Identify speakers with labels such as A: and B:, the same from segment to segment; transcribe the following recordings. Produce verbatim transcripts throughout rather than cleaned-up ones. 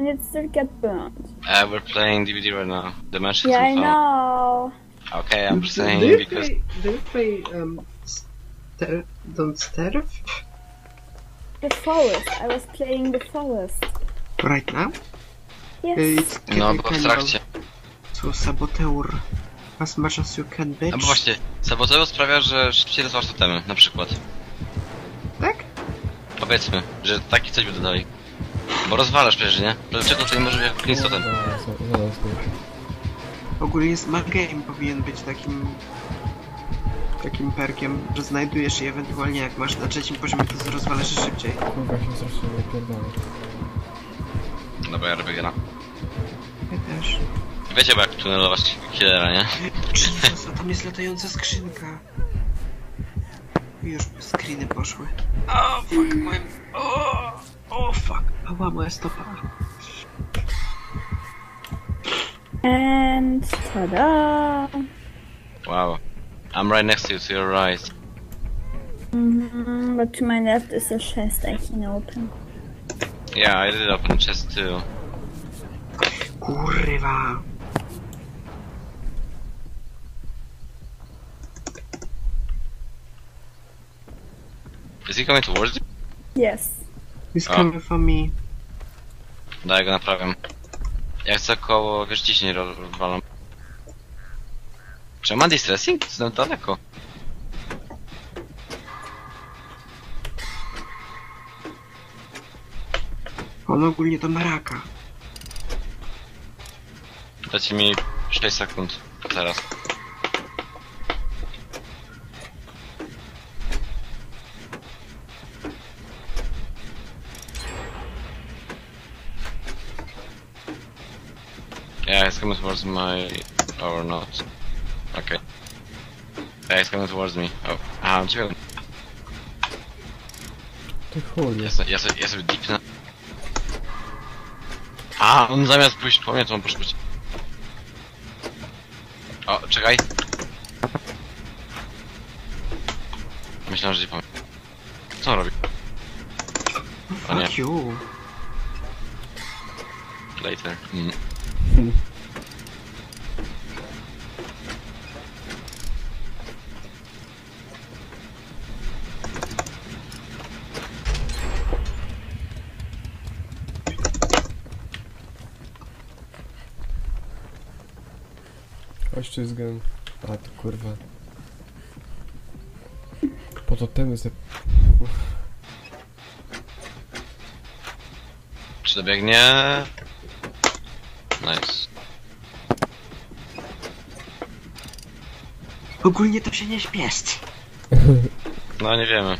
A: and it still get burnt.
B: Uh, we're playing D V D right now. The match is
A: Yeah, I
B: on.
A: know.
B: Okay, I'm just saying
C: do you
B: because
C: play, do you play um ster Don't Starve
A: The forest. I was playing the forest.
C: right now?
A: Yes.
C: It's
B: no, bo w trakcie.
C: So saboteur as much as you can, bitch.
B: No bo właśnie, saboteur sprawia, że szybciej rozważ totemy, na przykład.
C: Tak?
B: Powiedzmy, że taki coś by dodali. Bo rozwalasz przecież, nie? Dlaczego to nie może być jak clean totem?
C: Ogólnie Smart Game powinien być takim takim perkiem, że znajdujesz je ewentualnie jak masz na trzecim poziomie, to rozwalasz je szybciej.
D: Kurwa się strasznie wypierdolę.
B: No bo ja robię gena.
C: Ja też.
B: Wiecie, bo jak tunelować killera, nie?
C: Jesus, a tam jest latająca skrzynka. I już screeny poszły. O, fuck, moim... O, o, fuck. Ała, moja stopa.
A: And ta-da!
B: Wow. I'm right next to you, to your right.
A: Mm-hmm, but to my left is a chest I can open.
B: Yeah, I did open the chest too.
C: Kurwa.
B: Is he coming towards you?
A: Yes.
C: He's
B: A.
C: coming for me.
B: Daj go naprawiam. Ja chcę koło, wiesz, ciśnień rozwalam. Czy ma distressing? Znam daleko.
C: On ogólnie to maraka.
B: Dajcie mi sześć sekund. Teraz. Yeah, he's coming towards my... or not. Okay. Yeah, he's coming towards me. Oh, aha, on ciebie.
D: Ty chuj.
B: Ja, se, ja, se, ja sobie deepnę. A, on zamiast pójść po mnie, to on poszedł. O, czekaj. Myślałem, że nie powiem. Co on robi? O nie,
C: Fuck you.
B: later. Mm.
D: Hmm. Ościzgam. A to kurwa. Po to temy se...
B: Czy dobiegnie? Nice.
C: Ogólnie to się nie śpieszt.
B: No nie wiemy.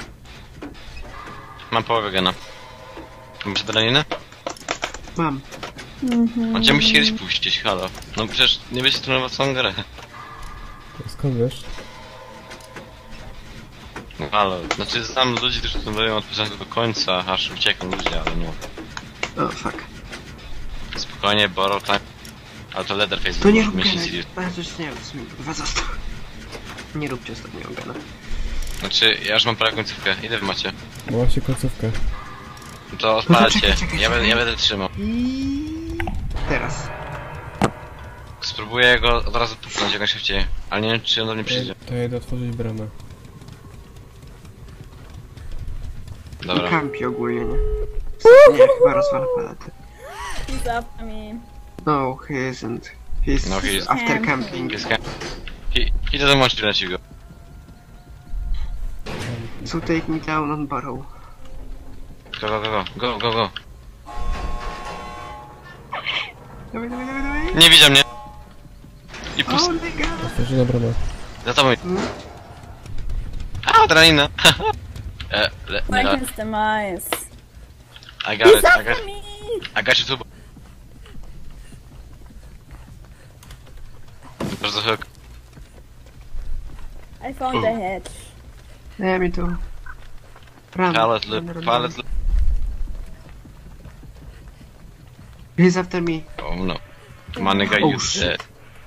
B: Mam połowę gena. Masz adrenalinę?
C: Mam.
A: Mm-hmm.
B: On cię musi kiedyś puścić, halo. No przecież nie będzie trenował całą grę.
D: Skąd wiesz?
B: No halo, znaczy znam ludzi, którzy trenują od początku do końca, aż uciekną ludzie, ale no.
C: O, fuck.
B: Spokojnie, borrow time. Ale to Leatherface
C: To nie rób
B: mieści
C: gena.
B: Sirius.
C: Bardzo nie, w sumie dwa został. Nie róbcie ostatniego gena.
B: Znaczy, ja już mam prawie końcówkę. Ile wy macie?
D: No właśnie końcówkę.
B: No to
C: No to
B: odpalcie.
C: czekaj, czekaj,
B: Ja, będę, ja
C: czekaj.
B: będę trzymał.
C: I teraz.
B: Spróbuję go od razu puknąć jak najszybciej. Ale nie wiem, czy on do mnie przyjdzie.
D: To ja idę otworzyć bramę.
C: I
B: Dobra.
C: kampi ogólnie, nie? Nie, chyba rozwala palety.
A: He's after me.
C: No, he isn't. He's,
B: No, he is.
C: after camping.
B: Jest camp. He, he doesn't want to let you go.
C: So take me down on Barrow.
B: Go, go, go, go, go, go, go.
C: Dawaj, dawaj, dawaj, dawaj.
B: Nie widział mnie. I pust...
C: Oh my god.
D: Otworzyłem bramę.
B: Za tobą.
C: Hmm?
B: A, adrenalina. e, le,
A: Like
B: le,
A: his demise.
B: I got
A: He's
B: it, I
A: after
B: got,
A: me!
B: I got you too. There's a hook.
A: I found the hedge.
C: Yeah, me too. Run.
B: Pallet
C: run,
B: loop,
C: run,
B: pallet
C: run.
B: loop.
C: He's after me.
B: Oh no. My nigga,
C: Oh,
B: you
C: shit.
B: dead.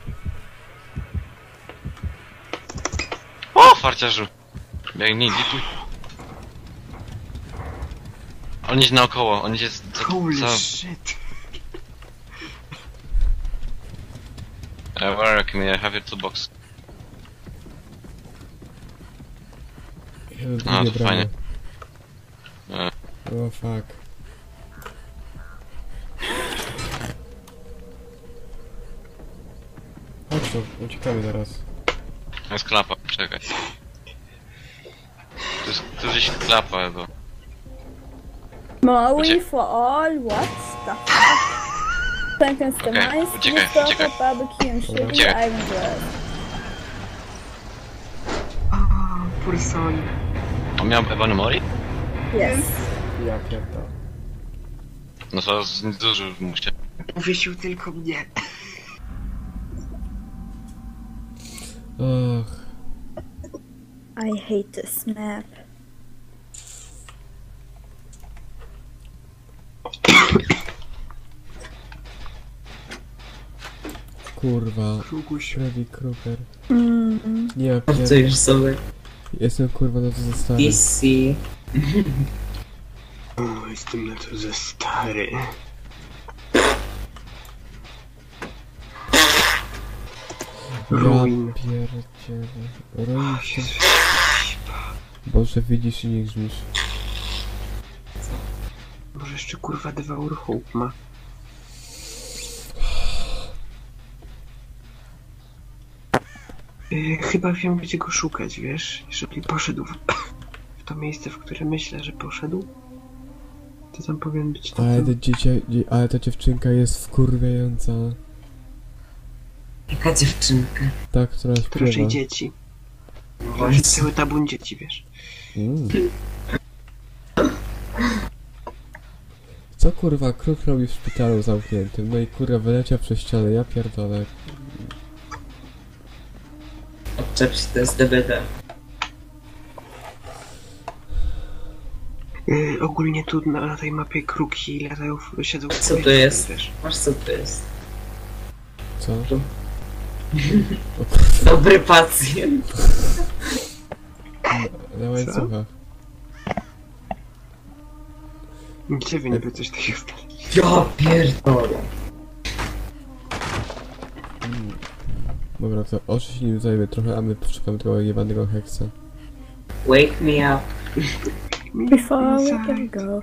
B: O, farciarzu! Biegnij, lipuj. On idzie naokoło, on idzie za...
C: Holy
B: za...
C: shit.
B: Uh, where are you? I have your toolbox.
D: Jeden
B: A,
D: drugie
B: to
D: bramy.
B: fajnie. E,
D: O fuck. Chodź tu, uciekamy zaraz.
B: jest klapa, czekaj. To jest, to jest gdzieś klapa chyba.
A: Maui
B: Ucie-
A: for all, what the fuck? Pumpkins the
B: Okay,
A: mice,
B: uciekaj,
A: Mustafa,
B: uciekaj.
A: barbecue and sugar,
B: Uciekaj.
A: Iron Bread.
C: O, Purson.
B: On miał Ebony Mori?
A: Yes.
D: Ja pierdolę.
B: No to z dużo mu się.
C: Uwiesił tylko mnie.
D: Och.
A: I hate this map.
D: Kurwa.
C: Czuguś.
D: Freddy Krueger.
A: Mm.
D: Nie, ja
E: Co
D: pier...
E: już sobie?
D: Jestem kurwa na to za stary.
E: P C.
C: O, jestem na to za stary. Ruin.
D: Ja pierdzielę. Ruin się.
C: Jezu.
D: Boże, widzisz i nie grzmisz.
C: Może jeszcze kurwa Devour Hope ma. Yy, chyba wiem, gdzie go szukać, wiesz? Jeżeli poszedł w, w to miejsce, w które myślę, że poszedł, to tam powinien być to.
D: Ale ta, dziecię, dzie- ale ta dziewczynka jest wkurwiająca.
E: Jaka dziewczynka?
D: Ta, która
C: To raczej
D: śpiewa.
C: dzieci.
E: No
C: To jest cały tabun dzieci, wiesz?
D: Mm. Co kurwa kruk robi w szpitalu zamkniętym? No i kurwa wyleciał przez ścianę, ja pierdolę.
E: Odczep się, to jest D B D.
C: Yy, ogólnie tu na, na tej mapie kruki latają, w- siedzą w
E: Co to
C: powietrzu,
E: jest?
C: wiesz?
E: Masz co to jest?
D: Co?
E: Tu.
D: O kurwa,
E: Dobry pacjent.
C: Co?
D: na łańcuchach.
C: Gdzie wy niby coś takiego stali?
E: Ja pierdolę.
D: Dobra, to oczy się nim zajmie trochę, a my poszukamy tego jebanego heksa.
E: Wake me up.
A: Before we can go.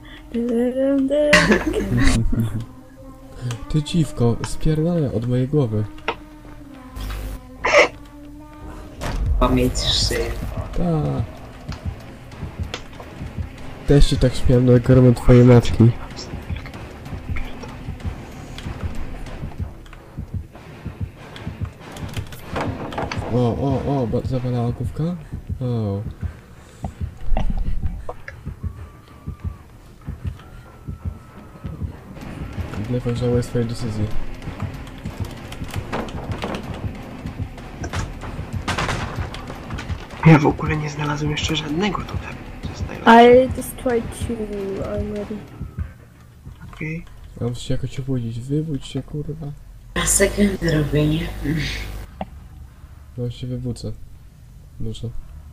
D: Ty dziwko, spierdalaj od mojej głowy.
E: Pamięć szyję.
D: Ta. Też się tak śmiałem na gorąco twojej matki. O, o, o, ba- zawalała główka? O. Blefon żałuje swojej decyzji.
C: Ja w ogóle nie znalazłem jeszcze żadnego tutaj. To jest najlepsze.
A: I destroyed two already.
C: Okej.
D: Ja muszę się jakoś obudzić. Wybudź się, kurwa.
E: A sekundę robienie.
D: No się wybudzę. Muszę.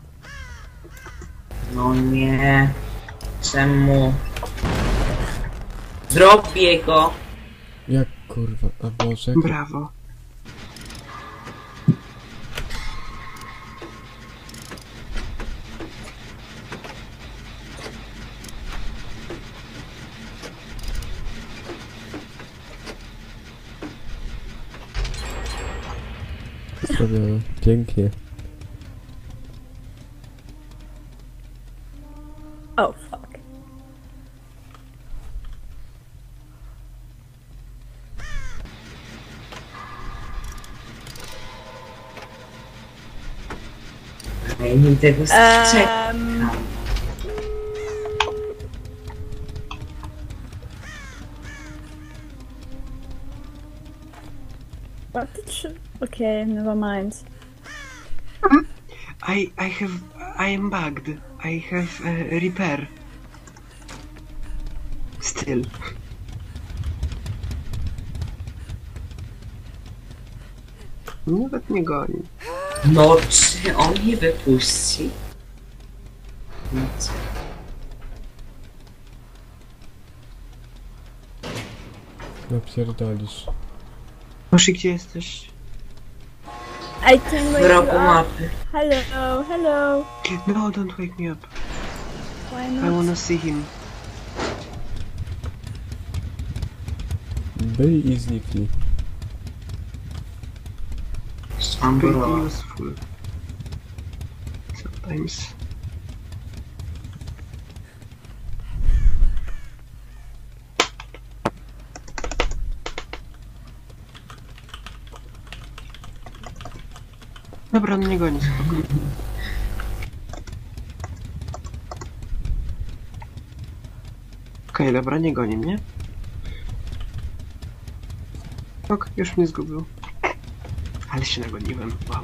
E: No nie. Czemu? Zrobię go.
D: Jak kurwa? A Boże, jak...
C: Brawo.
D: zrobione. Pięknie.
A: Oh fuck.
E: Ja nie tego strzec.
A: Um, what did she... Okay, never mind.
C: I, I have, I am bugged. I have uh, repair. Still. Nawet nie goni.
E: No czy on mnie wypuści? No co?
D: No pierdolisz.
C: Moshi, gdzie jesteś?
A: I can
E: W
A: wake you
E: rogu
A: up.
E: mapy.
A: Hello, hello.
C: No, don't wake me up.
A: Why
C: I
A: not?
C: wanna see him.
D: Byli i znikli.
E: Mam
C: Pretty
E: było.
C: useful. Sometimes. Dobra, on nie goni, spoko. Okej, dobra, nie goni mnie. Ok, już mnie zgubił. Ale się nagoniłem, wow.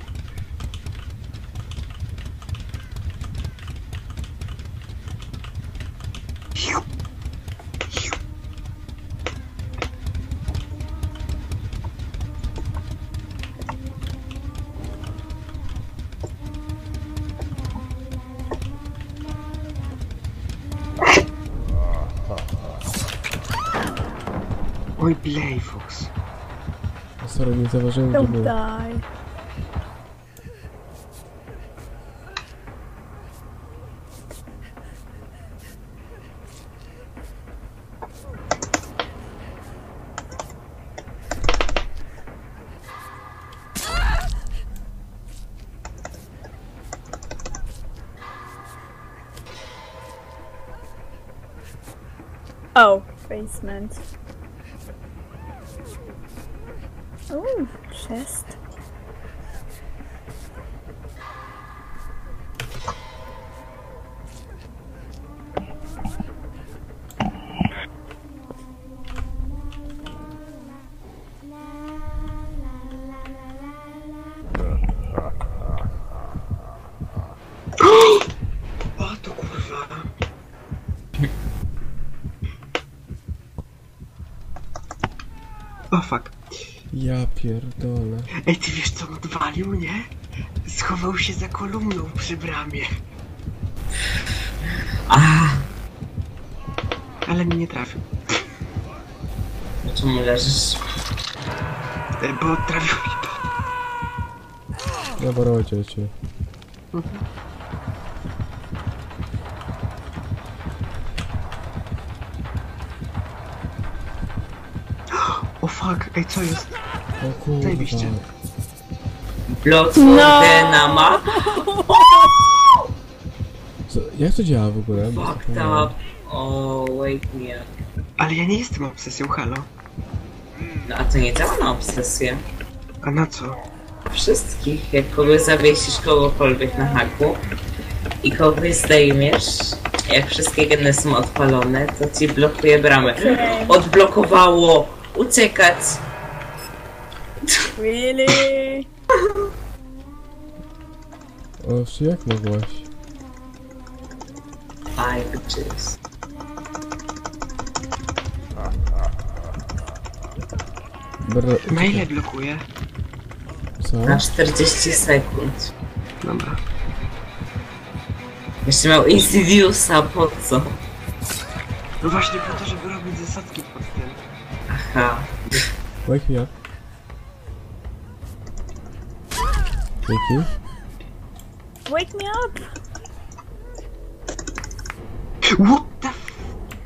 C: Oj, Playfox.
D: Sorry, nie zauważyłem, gdzie
A: Don't
D: był.
A: die. Oh, basement. Oh, chest.
C: O, to kurwa. O, fuck.
D: Ja pierdolę.
C: Ej, ty wiesz co on odwalił, nie? Schował się za kolumną przy bramie.
E: A,
C: Ale mnie nie trafił.
E: czemu leżysz?
C: E, Bo trafił mnie.
D: Dobra, rodzie cię.
C: O fuck, ej, co jest?
D: O kurwa.
C: Zajebiście.
E: Blood
A: No.
E: for na map?
D: Co, jak to działa w ogóle? Bo
E: Fucked
D: zapomniałem.
E: up. O, wake me up.
C: Ale ja nie jestem obsesją, halo.
E: No a to nie działa na obsesję.
C: A na co?
E: Wszystkich, jak kogoś zawiesisz kogokolwiek na haku i kogoś zdejmiesz, jak wszystkie geny są odpalone, to ci blokuje bramę.
A: Okay.
E: Odblokowało! Uciekać!
A: Really?
D: O, czy jak mogłaś?
E: Five bitches.
D: Bro,
C: Na ile blokuje?
D: co?
E: Na czterdzieści sekund.
C: Dobra.
E: Jeszcze miał Insidiousa, po co?
C: No właśnie po to, żeby robić zasadki pod tym.
E: Aha.
D: Wake me up. Dzięki.
A: Wake me up!
C: What the f...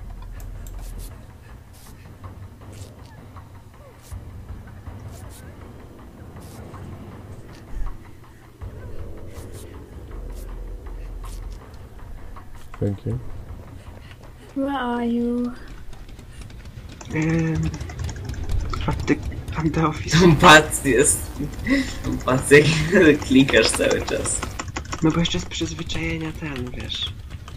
D: Thank you.
A: Where are you?
C: Um, at the, at the office.
E: Tą pac jest. Tą pac jak klikasz cały czas.
C: No bo jeszcze z przyzwyczajenia ten, wiesz.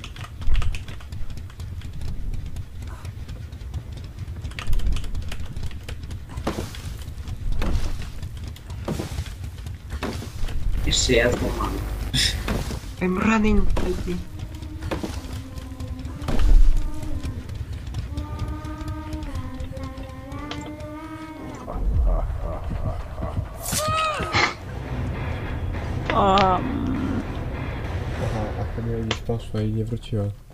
E: Jeszcze ja złamam.
C: I'm running, help me.
A: Um,
D: Aha, a Kamila gdzieś poszła i nie wróciła.